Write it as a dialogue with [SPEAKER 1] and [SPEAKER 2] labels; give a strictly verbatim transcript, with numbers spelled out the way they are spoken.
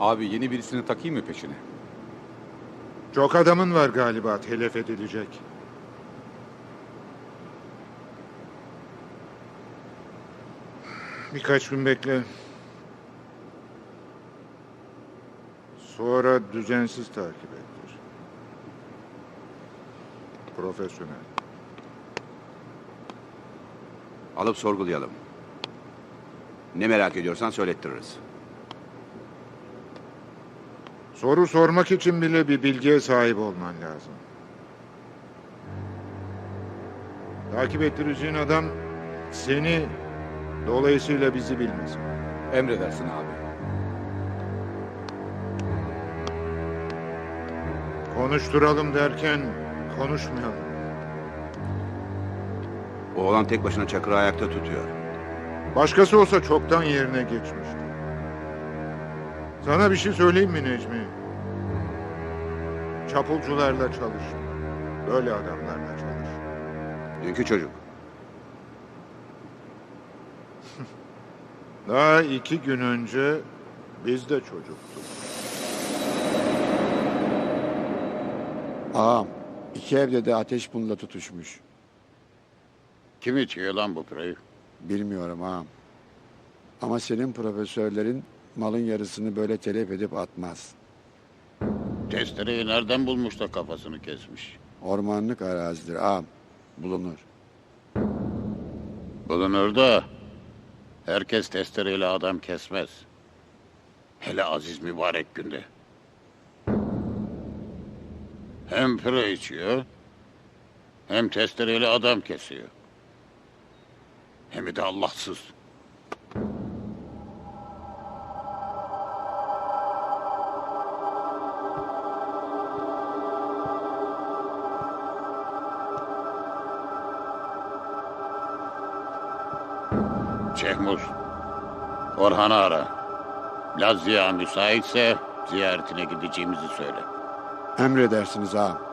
[SPEAKER 1] Abi yeni birisini takayım mı peşine?
[SPEAKER 2] Çok adamın var galiba telef edilecek. Birkaç gün bekle. Sonra düzensiz takip ettir. Profesyonel.
[SPEAKER 3] Alıp sorgulayalım. Ne merak ediyorsan söylettiririz.
[SPEAKER 2] Soru sormak için bile bir bilgiye sahip olman lazım. Takip ettireceğin adam seni, dolayısıyla bizi bilmez.
[SPEAKER 1] Emredersin abi.
[SPEAKER 2] Konuşturalım derken konuşmayalım.
[SPEAKER 3] Oğlan tek başına Çakır'ı ayakta tutuyor.
[SPEAKER 2] Başkası olsa çoktan yerine geçmişti. Sana bir şey söyleyeyim mi Necmi? Çapulcularla çalış. Böyle adamlarla çalış.
[SPEAKER 3] Dünkü çocuk.
[SPEAKER 2] Daha iki gün önce biz de çocuktuk.
[SPEAKER 4] Ağam, iki evde de ateş bununla tutuşmuş.
[SPEAKER 5] Kim içiyor lan bu parayı?
[SPEAKER 4] Bilmiyorum ağam. Ama senin profesörlerin malın yarısını böyle telef edip atmaz.
[SPEAKER 5] Testereyi nereden bulmuş da kafasını kesmiş?
[SPEAKER 4] Ormanlık arazidir ağam. Bulunur.
[SPEAKER 5] Bulunur da herkes testereyle adam kesmez. Hele aziz mübarek günde. Hem pire içiyor, hem testereyle adam kesiyor. Hem de Allahsız. Şehmuz, Orhan'ı ara. Laz Ziya müsaitse ziyaretine gideceğimizi söyle.
[SPEAKER 4] Emredersiniz ağam.